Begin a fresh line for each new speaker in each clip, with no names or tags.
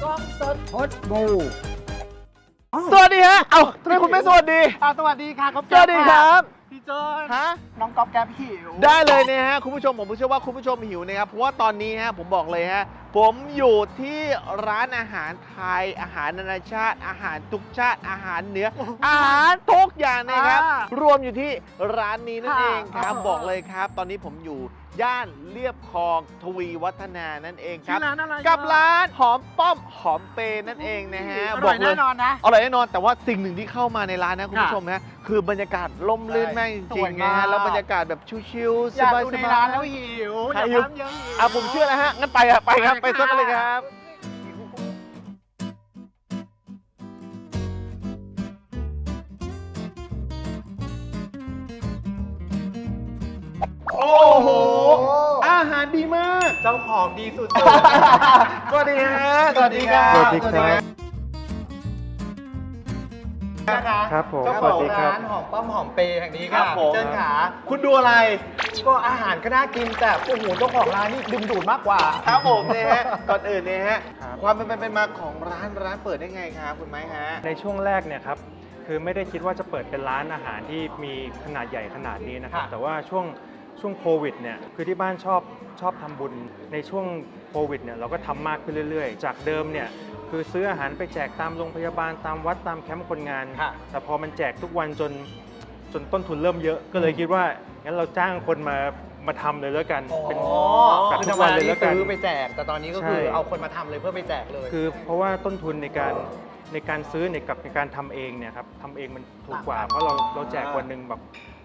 กล้องสด
พดบู
สวัสดีฮะเอ้าทำไมคุณไม่สวัสดี
สวัสดีค่ะก๊อฟ
สวัสดีครับ
พี่เจิ้น
ฮะ
น้องก๊อฟแก๊ปหิว
ได้เลยนะฮะคุณผู้ชมผมเชื่อว่าคุณผู้ชมหิวนะครับเพราะว่าตอนนี้ฮะผมบอกเลยฮะผมอยู่ที่ร้านอาหารไทยอาหารนานาชาติอาหารทุกชาติอาหารเหนืออาหารทุกอย่างนะครับรวมอยู่ที่ร้านนี้นั่นเองครับบอกเลยครับ ตอนนี้ผมอยู่ย่านเลียบคลองทวีวัฒนานั่นเองครับ
ร้านอะไร
กับร้านหอมป้อมหอมเปนั่นเองนะฮะ
อร่อยแน่นอนนะ
อร่อยแน่นอนแต่ว่าสิ่งหนึ่งที่เข้ามาในร้านนะคุณผู้ชมนะคือบรรยากาศล่มลื่นมากจ
ส
ริ
วย
งๆ
มา
นะ
ก
ฮะแล้วบรรยากาศแบบชิลๆ
อยาก
สบาย
ดู
ๆ
ในร้านแล้วหิวอยาก
หิว
ทำเยอะหิว
ผมเชื่อแล้วฮะงั้นไปครับไปครับ
ไป
ไป
ค่ะ
ซะกันเลยครับ โอ้โห อาหารดีมาก
เจ้าของดีสุด
สวัสดีฮะสวัสดีครับ
สวัสดีครับ
นะคะ
ครับผม
เจ้า
ส
ข
วั
อ
ส
ง
ดีครับ
ร้านหอมป้อมหอมเปย์แห่งนี้
ครั
ค่ะ
บผม
เจิ้นขา
คุณดูอะไร
ก็อาหารก็น่ากินแต่โอ้โหเจ้าของร้านนี่ดึงดูดมากกว่า
ครับผมเนี่ยฮะก่อนอื่นเนี่ยฮะ
ครับ
ความเป็นมาของร้านเปิดได้ไงครับคุณไม้ฮะ
ในช่วงแรกเนี่ยครับคือไม่ได้คิดว่าจะเปิดเป็นร้านอาหารที่มีขนาดใหญ่ขนาดนี้นะครับ
ค่ะ
แต่ว่าช่วงโควิดเนี่ยคือที่บ้านชอบทำบุญในช่วงโควิดเนี่ยเราก็ทำมากขึ้นเรื่อยๆ จากเดิมเนี่ยคือซื้ออาหารไปแจกตามโรงพยาบาลตามวัดตามแคมป์คนงาน
ค่ะ
แต่พอมันแจกทุกวันจนต้นทุนเริ่มเยอะ ก็เลยคิดว่างั้นเราจ้างคนมาทำเลยแล้วกันเป็น จัด
คือ
ทุ
ธร
ก
รม
วัน
ดา
เลย
นี่
แล้วกัน
ซื้อไปแจก แต่ตอนนี้ก็คือ
ใช่
เอาคนมาทำเลยเพื่อไปแจกเลย
คือเพราะว่าต้นทุนในการซื้อกับในการทำเองเนี่ยครับทำเองมันถูกกว่า เพราะเราแจกวันหนึ่งแบบ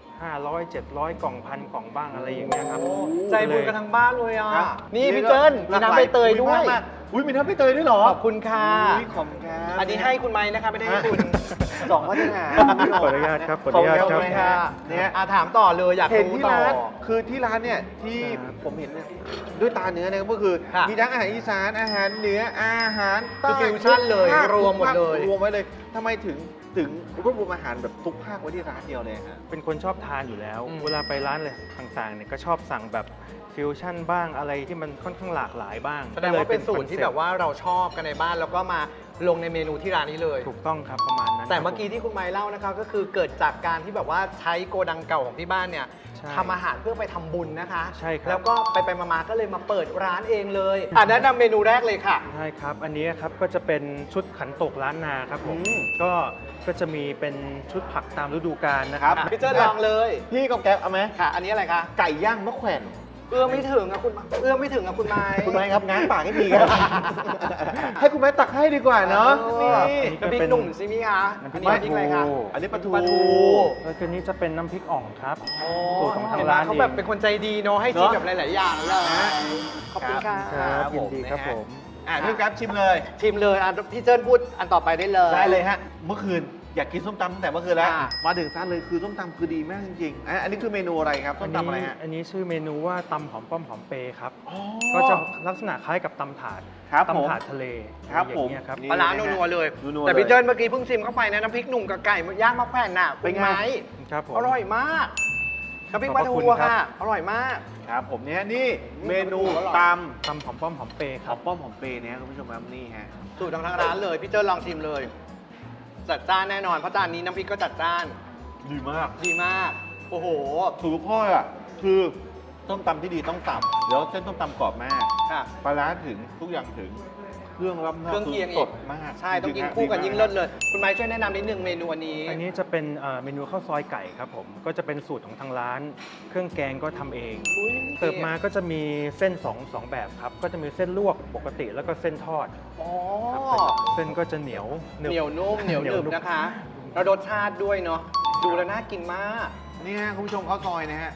500 700 กล่องพันกล่องบ้างอะไรอย่างเงี้ยครับ
ใจบุญกันทั้งบ้านเลยอ่ะ
ครับ
นี่พี่เจิ้นมีน้ำใบเตยด้วย
มากๆอุ้ยมีน้ำใบเตยด้วยเหรอ
ขอบคุณค่ะ
อุ๊ยขอบคุณครับ
อันนี้ให้คุณไม้นะคะไม่ได้ให้คุณ
สองมาตรฐาน
ขออนุญาตครับขออนุญาต
ขอบ
ค
คุ
รับ
ณค่ะเนี่ย
ถามต่อเลยอยาก
เห็น
รู้
ที่
ต่อ
ร้านคือที่ร้านเนี่ยที่
ครับ
ผมเห็นเนี่ยด้วยตาเนื้อเนี่ยก็คือ
ค่ะ
มีทั้งอาหารอีสานอาหารเหนืออาหารใต้
คือฟิวชั่นเลย
ทุกภาค
รวมหมดเลย
รวมไว้เลยทำไมถึงรวบรวมอาหารแบบทุกภาคไว้ที่ร้านเดียวเลยฮะ
เป็นคนชอบทานอยู่แล้ว
อืม
เวลาไปร้านอะไรต่างๆเนี่ยก็ชอบสั่งแบบฟิวชั่นบ้างอะไรที่มันค่อนข้างหลากหลายบ้าง
แสดงว่าเป็นสูตรที่แบบ
ค
ว่าเราชอบกันในบ้านแล้วก็มาลงในเมนูที่ร้านนี้เลย
อนเซ็ปต์ถูกต้องครับประมาณนั้น
แต่
ครับ
เมื่อกี้ที่คุณไม้เล่านะคะก็คือเกิดจากการที่แบบว่าใช้โกดังเก่าของที่บ้านเนี่ย
ใช่
ทำอาหารเพื่อไปทำบุญนะคะ
ใช่ครับ
แล้วก็ไปมาๆก็เลยมาเปิดร้านเองเลยแนะนำเมนูแรกเลยค่ะ
ใช่ครับ อันนี้ครับก็จะเป็นชุดขันโตกล้านนาครับผม
อืม
ก็จะมีเป็นชุดผักตามฤดูกาลนะครับ
ครับ
พี่เจิ้นลองเลย
พี่กับแก๊ปเอาไหม
ค่ะ อันนี้อะไรคะ
ไก่ย่างมะแขวน
เอื้อมไม่ถึงอะคุณเอื้อมไม่ถึงอะคุณไม้
คุณไม้ครับง้างปากให้ทีครับ ให้คุณไม้ตักให้ดีกว่าเนาะนี่
น้ำพริกหนุ่มใช่ไหมคะ
น้ำพ
อั
ริ
น
ก
นี้น้ำพริกอะไรคะ
อันนี้ปลาทู
ปลาทู
แล้วก็นี้จะเป็นน้ำพริกอ่องครับ
โอ้
สูตรของทาง
เห็นไหม
ร้าน
เขา
เอง
แบบเป็นคนใจดีเนาะให้ชิมแบบหลาย ๆ อย่างเลย
นะ
ขอบคุณค่ะ
ครับยินดีครับผม
พี่แก๊ปชิมเลย
ชิมเลยพี่เจิ้นพูดอันต่อไปได้เลย
ได้เลยฮะ เมื่อคืนอยากกินส้มตำตั้งแต่เมื่อคืนแล้ว
อ่า
มาถึงร้านเลยคือส้มตำคือดีมากจริงๆอันนี้คือเมนูอะไรครับส้มตำอะไรฮะ
อันนี้ชื่อเมนูว่าตำหอมป้อมหอมเปครับ
อ๋อ
ก็จะลักษณะคล้ายกับตำถาด
ครับผม
ตำถาดทะเล
ครับ
อ
ผม
ย่างเงี้ยครับ
นี่
ปลาร้านัวๆเลย
นัวๆ
แต่พี่
เลย
เจิ้นเมื่อกี้เพิ่งชิมเข้าไปนะน้ำพริกหนุ่มกับไก่ย่างมะแขวนน่ะ
เป็นไง
คุณม้
ครับผม
อร่อยมากน้ำพริกปลาทู
ขอบคุณครับ
ค่ะ อร่อยมาก
ครับผมเนี่ยนี่เมนู
อร่อย
ต
ตำหอมป้อมหอมเป
ำ
ค
ห
รั
อบ มป้อมหอมเปย์เนี่ยคุณผู้ชมครับนี่ฮะ
สูตรของทางร้านเลยพี่เจิ้นลองชิมเลย จัดจ้านแน่นอนเพราะจานนี้น้ำพริกก็จัดจ้าน
ดีมาก
ดีมาก โอ้โห
ถูกข้ออ่ะคือส้มตำที่ดีต้องตำแล้วเส้นส้มตำกรอบมาก
ค่ะ
ปลาร้าถึงทุกอย่างถึงเครื่องรับหน้า
เครื่องเคียง
สดมาก
ใช่ต้องกิน
จริๆ
คู่กัน
ดีมา
ยิ่งเลิศเลย คุณไม้ช่วยแนะนำนิดนึงเมนูอันนี้
อันนี้จะเป็นเมนูข้าวซอยไก่ครับผม ก็จะเป็นสูตรของทางร้าน เครื่องแกงก็ทำเอง
อุ๊ย
เสิร์ฟมาก็จะมีเส้นสองแบบครับ ก็จะมีเส้นลวกปกติแล้วก็เส้นทอด
อ๋อ
เส้นก็จะเหนียวหนึบ
เหนียวนุ่มเหนียวหนึบนะคะแล้วรสชาติด้วยเนาะดูแล้วน่ากินมาก
นี่ฮะคุณผู้ชมข้าวซอยนะฮะ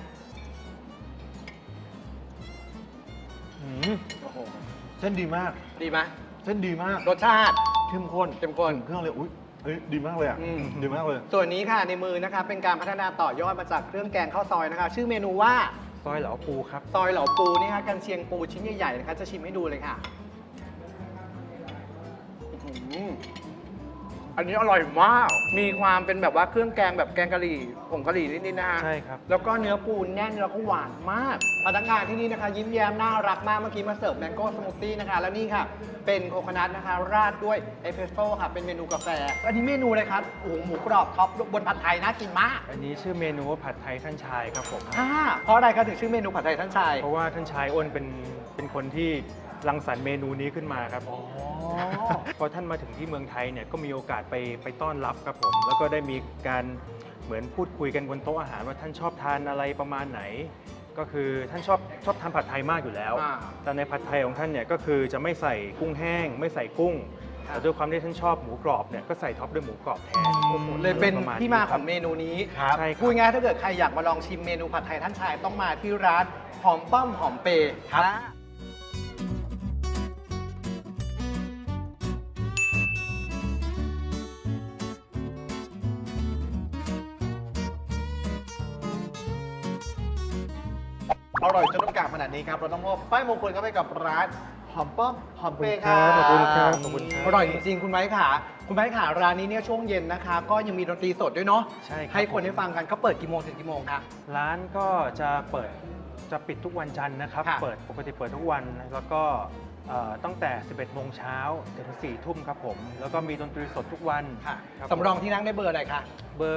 อืม
เส้นดีมาก
ดีไหม
เส้นดีมาก
รสชาติ
เข้มข้น
เข้มข้น
เครื่องเลยอุ้ยเฮ้ยดีมากเลยอ่ะ
อืม
ดีมากเลย
ส่วนนี้ค่ะในมือนะคะเป็นการพัฒนาต่อยอดมาจากเครื่องแกงข้าวซอยนะคะ ชื่อเมนูว่า
ซอยเหลาปูครับ
ซอยเหลาปูนี่ค่ะกันเชียงปูชิ้นใหญ่ๆนะคะจะชิมให้ดูเลยค่ะอื้อหืออันนี้อร่อยมาก มีความเป็นแบบว่าเครื่องแกงแบบแกงกะหรี่ผงกะหรี่นิดๆนะฮะ
ใช่ครับ
แล้วก็เนื้อปูแน่นแล้วก็หวานมากพนักงานที่นี่นะคะ ยิ้มแย้มน่ารักมาก เมื่อกี้มาเสิร์ฟแมงโก้สมูทตี้นะคะ แล้วนี่ค่ะ เป็นโคโคนัทนะคะ ราดด้วยเอสเปรสโซ่ค่ะ เป็นเมนูกาแฟ อันนี้เมนูอะไรครับโอ้โหหมูกรอบท็อปบนผัดไทยน่ากินมาก
อันนี้ชื่อเมนูว่าผัดไทยท่านชายครับผม
เพราะอะไรครับถึงชื่อเมนูผัดไทยท่านชาย
เพราะว่าท่านชายอ้นเป็นคนที่รังสรรค์เมนูนี้ขึ้นมาครับพอท่านมาถึงที่เมืองไทยเนี่ยก็มีโอกาสไปต้อนรับครับผม แล้วก็ได้มีการเหมือนพูดคุยกันบนโต๊ะอาหารว่าท่านชอบทานอะไรประมาณไหน ก็คือท่านชอบทานผัดไทยมากอยู่แล้ว แต่ในผัดไทยของท่านเนี่ยก็คือจะไม่ใส่กุ้งแห้ง ไม่ใส่กุ้ง แต่ด้วยความที่ท่านชอบหมูกรอบเนี่ยก็ใส่ท็อปด้วยหมูกรอบแทน
เลยเป็น
ประณ
ที่มา
ค
ข
รั
อบ งเมนูนี้
ใช่ครับ
พูดง่ายๆถ้าเกิดใครอยากมาลองชิมเมนูผัดไทยท่านชายต้องมาที่ร้านหอมป้อมหอมเปย์ครับ
อร่อยจนต้องกราบขนาดนี้ครับ เราต้องมอบป้ายมงคลเข้าไปกับร้านหอมป้อมหอมเปย์ครับ
ขอบคุณครับขอบคุณครับ
อร่อยจริงๆ คุณไม้ขาคุณไม้ขาร้านนี้เนี่ยช่วงเย็นนะคะ ก็ยังมีดนตรีสดด้วยเนาะ
ใช่ครับ
ให้คนได้ฟังกันเขาเปิดกี่โมงถึงกี่โมงคะ
ร้านก็จะปิดทุกวันจันทร์นะครับ
ค่ะ
ปกติเปิดทุกวัน แล้วก็ตั้งแต่ 11 โมงเช้าถึง 4 ทุ่มครับผม แล้วก็มีดนตรีสดทุกวัน
ค่ะ
คบ
สำรองที่นั่งได้เบอร์อะไรคะ
เบอร์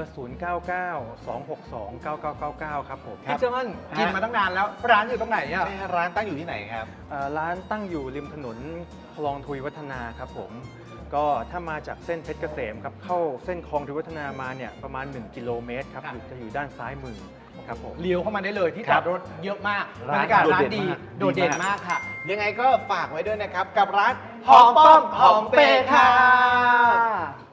0992629999 ครับผม
พี่เจิ้นกินมาตั้งนานแล้ว ร้านอยู่ตรงไหนอ่ะ
ใช่ฮะร้านตั้งอยู่ที่ไหนครับ
ร้านตั้งอยู่ริมถนนคลองทวีวัฒนาครับผม ก็ถ้ามาจากเส้นเพชรเกษมครับเข้าเส้นคลองทวีวัฒนามาเนี่ยประมาณ 1 กิโลเมตรครับ
ค่ะ
จะอยู่ด้านซ้ายมือครับผม
เลี้ยวเข้ามาได้เลยที่
ครั
จ
บ
อดรถเยอะมากบร
ร้าน
รยากาศ
โดด
ร้าน
เด่น
ดี
มาก
โดดเด่น
ดีมาม
าก กค่ะ
ยังไงก็ฝากไว้ด้วยนะครับ กับร้าน
หอมป้อมหอมเปย์ค่ะ